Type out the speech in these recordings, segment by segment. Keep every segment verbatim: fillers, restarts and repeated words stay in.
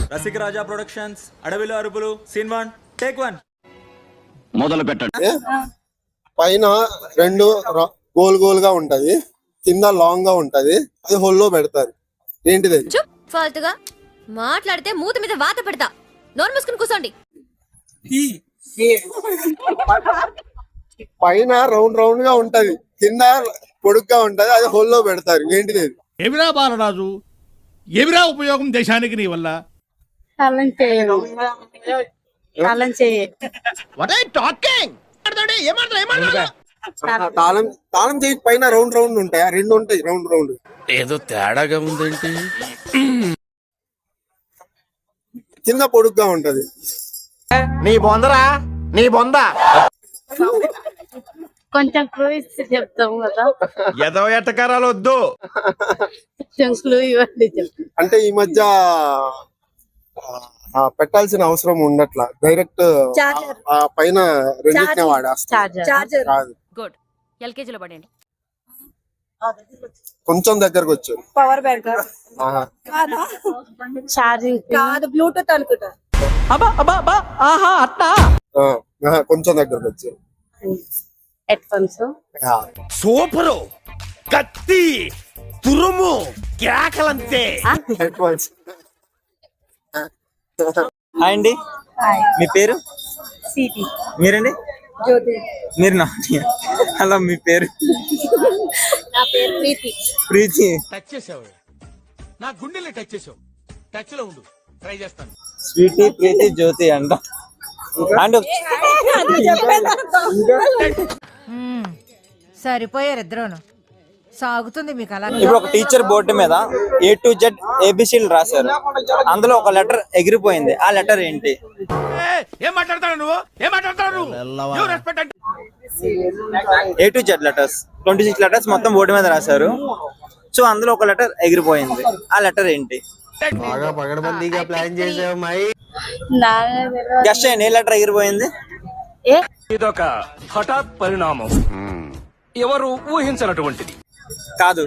రసిక రాజా productions అడవిలో అరుపులు scene one take one మొదలు పెట్టండి. పైన రెండు గోల్ గోల్ గా ఉంటది, కింద లాంగ్ గా ఉంటది, అది హోల్లో పెడతారు. ఏంటిది? ఫాల్తుగా మాట్లాడితే మూతి మీద వాత పెడతా. నోరు మూసుకుని కూర్చోండి. పైన రౌండ్ రౌండ్ గా ఉంటది, కింద పొడుగ్గా ఉంటది, అది హోల్లో పెడతారు. ఏంటిది? ఎవిరా బాలరాజు, ఎవిరా ఉపయోగం దేశానికి నీ వల్ల? తాళం చేయను తాళం చేయ తాళం తాళం చేయి పైన రౌండ్ రౌండ్ ఉంటాయి, ఆ రెండు ఉంటాయి రౌండ్ రౌండ్. ఏదో తేడాగా ఉందేంటి? కింద పొడుగ్గా ఉంటది. నీ బొందరా, నీ బొంద. కొంచెం క్లూ ఇస్తే చెప్తాం కదా. ఏదో ఎట్టకారాలు వద్దు, కొంచెం క్లూ ఇవ్వండి చెప్తాం. అంటే ఈ మధ్య ఆ, పెట్టాల్సిన అవసరం ఉండట్లా, డైరెక్ట్ ఆ పైన రెండింటినే వాడేస్తారు. కాదు, గుడ్. ఎల్కేజీలో పడండి. కొంచెం దగ్గరకు వచ్చారు. పవర్ బ్యాంక్ ఛార్జింగ్ కాదు, బ్లూటూత్ అనుకుంటా. ఆ, ఆహా, కొంచెం దగ్గరకు వచ్చారు. Head phones. సూపరు, కత్తి, తురుము, కేకలంతే. హెడ్ఫోన్స్. హాయ్ అండి, మీ పేరు? సిటీ. మీరండి? జ్యోతి. మీరు నా హలో, మీ పేరు? నా పేరు ప్రీతి. ప్రీతి. టచ్ చేసావు, నా గుండెల్ని టచ్ చేసావు. టచ్ లో ఉండు, ట్రై చేస్తాను. స్వీటీ, ప్రీతి, జ్యోతి అంట. అండ్ సరిపోయారు ఇద్దరును. సాగుతుంది మీకు అలా. ఇప్పుడు ఒక టీచర్ బోర్డు మీద ఏ టు జెడ్ ఏబిసిలు రాశారు, అందులో ఒక లెటర్ ఎగిరిపోయింది. ఆ లెటర్ ఏంటి? ఏం మాట్లాడతావు నువ్వు? ఏం మాట్లాడతావు నువ్వు? రెస్పెక్ట్ అంటే A to Z letters, twenty six letters మొత్తం బోర్డు మీద రాశారు. సో అందులో ఒక లెటర్ ఎగిరిపోయింది. ఆ లెటర్ ఏంటి? బాగా పగడబందీగా ప్లాన్ చేసావు మై. గెస్ట్ చేయండి, ఏ లెటర్ ఎగిరిపోయింది? ఇదొక హఠాత్ పరిణామం, ఎవరు ఊహించినటువంటిది కాదు.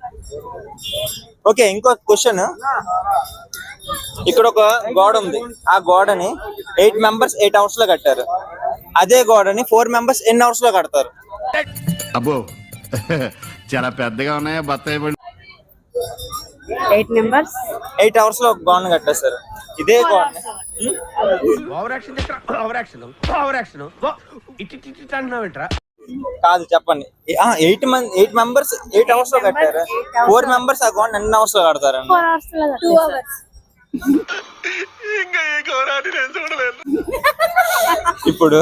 ఓకే, ఇంకో క్వశ్చన్. ఇక్కడ ఒక గోడ ఉంది, ఆ గోడని ఎయిట్ మెంబర్స్ ఎయిట్ అవర్స్ లో కట్టారు. అదే గోడని ఫోర్ మెంబర్స్ ఎన్ని అవర్స్ లో కడతారు? అబ్బో, చాలా పెద్దగా ఉన్నాయా బత్తాయి? ఎయిట్ మెంబర్స్ ఎయిట్ అవర్స్ లో గోడని కట్టేస్తారు. ఇదే గోడని over action over action over action ఇటు ఇటు అంటున్నావు ఏంట్రా? కాదు, చెప్పండి. ఎయిట్ మంది ఎయిట్ మెంబర్స్ ఎయిట్ అవర్స్ లో కట్టారు. ఫోర్ మెంబర్స్ ఆ గోడ ఎన్ని అవర్స్ లో కడతారండి? ఫోర్ అవర్స్ లో టూ అవర్స్. ఇప్పుడు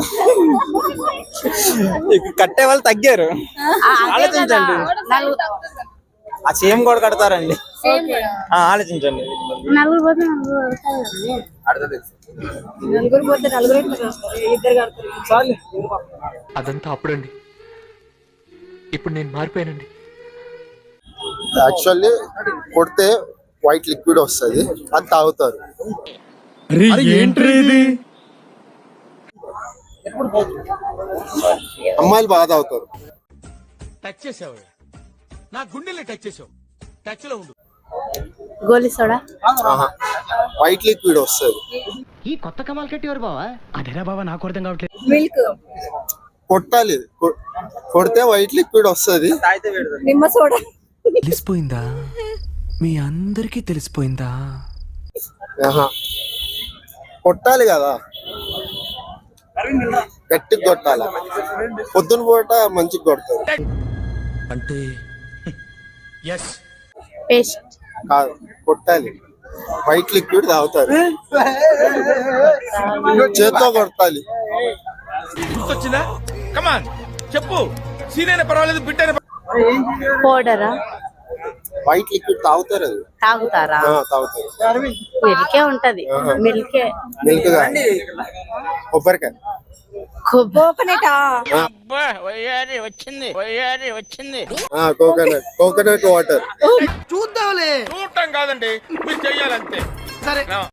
కట్టే వాళ్ళు తగ్గారు. ఆలోచించండి. ఆ సేమ్ గోడ కడతారండి. ఆ, ఆలోచించండి. నలుగురు పోతే నలుగురు పోతే నలుగురు ఇద్దరు కడతారు. అదంతా అప్పుడండి, ఇప్పుడు నేను మారిపోయానండి. యాక్చువల్లీ కొడితే వైట్ లిక్విడ్ వస్తుంది, అది తాగుతారు. అమ్మాయిలు బాగా తాగుతారు. టచ్ చేసావు, నా గుండెల్ని టచ్ చేసావు. టచ్ లో ఉండు. గోలీ సోడా. ఆహా, వైట్ లిక్విడ్ వస్తుంది. ఈ కొత్త కమాల్ కట్టేవారు బావా? అదేనా బావా, నాకు అర్థం కావట్లేదు. మిల్క్. కొట్టాలి, కొ- కొడితే వైట్ లిక్విడ్ వస్తుంది. నిమ్మ సోడా. తెలిసిపోయిందా? మీ అందరికీ తెలిసిపోయిందా? ఆహా, కొట్టాలి కదా, గట్టిగా కొట్టాలి. పొద్దున పూట మంచిగా కొడతారు. అంటే ఎస్, పేస్ట్. కాదు, కొట్టాలి. వైట్ లిక్విడ్ తాగుతారు, చేత్తో కొట్టాలి. గుర్తొచ్చిందా? కమాన్ చెప్పు. సీనైనా పర్వాలేదు, బిడ్డైనా పౌడరా? వైట్ లిక్విడ్ తాగుతారు, అది తాగుతారా? ఆ, తాగుతారు. మిల్కే ఉంటది. మిల్కే. మిల్క్ కాదు, కొబ్బరికాయ. కోకోనట్. వచ్చింది వచ్చింది కోకోనట్ కోకోనట్ వాటర్. చూద్దాంలే. చూడటం కాదండి, మీరు చెయ్యాలంతే. సరే.